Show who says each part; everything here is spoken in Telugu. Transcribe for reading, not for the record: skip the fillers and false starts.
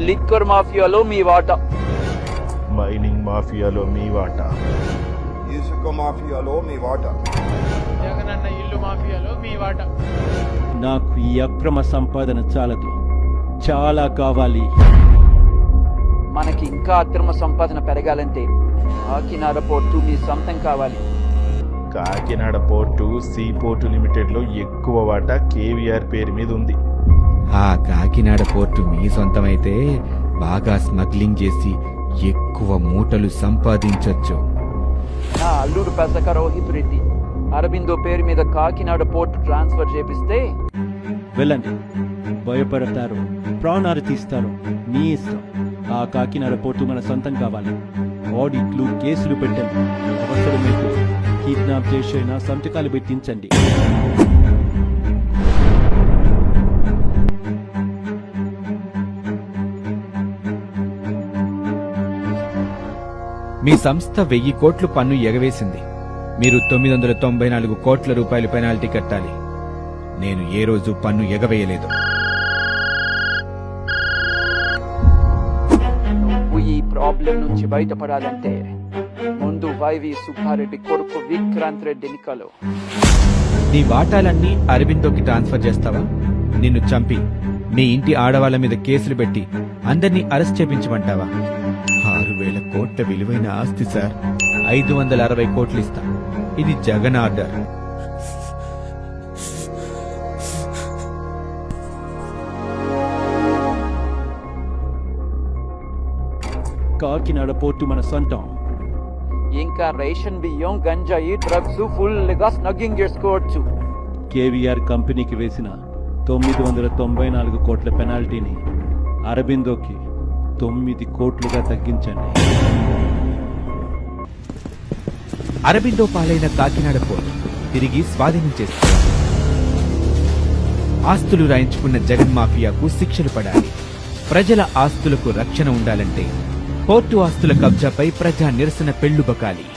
Speaker 1: లిక్కర్ మాఫియాలో మీ వాటా,
Speaker 2: మైనింగ్ మాఫియాలో మీ వాటా,
Speaker 3: ఇసుక మాఫియాలో మీ వాటా,
Speaker 4: జగనన్న ఇల్లు మాఫియాలో మీ వాటా.
Speaker 5: నాకు ఈ అక్రమ సంపాదన చాలదు, చాలా కావాలి.
Speaker 1: మనకి ఇంకా అక్రమ సంపాదన పెరగాలంటే కాకినాడ పోర్టు మీ సొంతం కావాలి.
Speaker 2: Kakinada port sea port limited లో ఎక్కువ వాటా కేవీఆర్ పేరు మీద ఉంది.
Speaker 6: ఆ కాకినాడ పోర్టు మీ సొంతమైతే బాగా స్మగ్లింగ్ చేసి ఎక్కువ మూటలు సంపాదించొచ్చు.
Speaker 1: నా అల్లుడు పెసక రోహిత్ రెడ్డి అరబిందో పేరు మీద కాకినాడ పోర్టు ట్రాన్స్ఫర్ చేపిస్తే
Speaker 5: వెళ్ళండి, భయపడతారు, ప్రాణాలు తీస్తారు, మీ ఇష్టం. ఆ కాకినాడ పోర్టు మన సొంతం కావాలి. ఆడిట్లు, కేసులు పెట్టండి, అవసరమైతే కిడ్నాప్ చేసైనా సంతకాలు పెట్టించండి.
Speaker 6: మీ సంస్థ 1000 కోట్లు పన్ను ఎగవేసింది. మీరు 994 కోట్ల రూపాయలు పెనాల్టీ కట్టాలి. నేను ఏ రోజు పన్ను ఎగవేయలేదు.
Speaker 1: నువ్వు ఈ ప్రాబ్లం నుంచి బయటపడాలంటే ముందు వైవి సుబ్బారెడ్డి కొడుకు విక్రాంత్ రెడ్డిని కలు.
Speaker 6: నీ వాటాలన్నీ అరబిందోకి ట్రాన్స్ఫర్ చేస్తావా? నిన్ను చంపి మీ ఇంటి ఆడవాళ్ల మీద కేసులు పెట్టి అందర్నీ అరెస్ట్ చేపించమంటావా? 6000 కోట్ల విలువైన ఆస్తి సార్. 560 కోట్లు ఇస్తా. ఇది జగన్ ఆర్డర్.
Speaker 5: కాకినాడ పోర్టు మన సొంతం.
Speaker 1: ఇంకా రేషన్ బియ్యం, గంజాయి, డ్రగ్స్ ఫుల్ గా స్నగ్గింగ్ చేసుకోవచ్చు.
Speaker 5: కేవీఆర్ కంపెనీకి వేసిన 994 కోట్ల పెనాల్టీని అరబిందోకి 9 కోట్లుగా తగ్గించండి.
Speaker 6: అరబిందో పాలైన కాకినాడ పోర్టు తిరిగి స్వాధీనం చేసుకోవాలి. ఆస్తులు రాయించుకున్న జగన్ మాఫియాకు శిక్షలు పడాలి. ప్రజల ఆస్తులకు రక్షణ ఉండాలంటే పోర్టు ఆస్తుల కబ్జాపై ప్రజా నిరసన పెళ్లుబకాలి.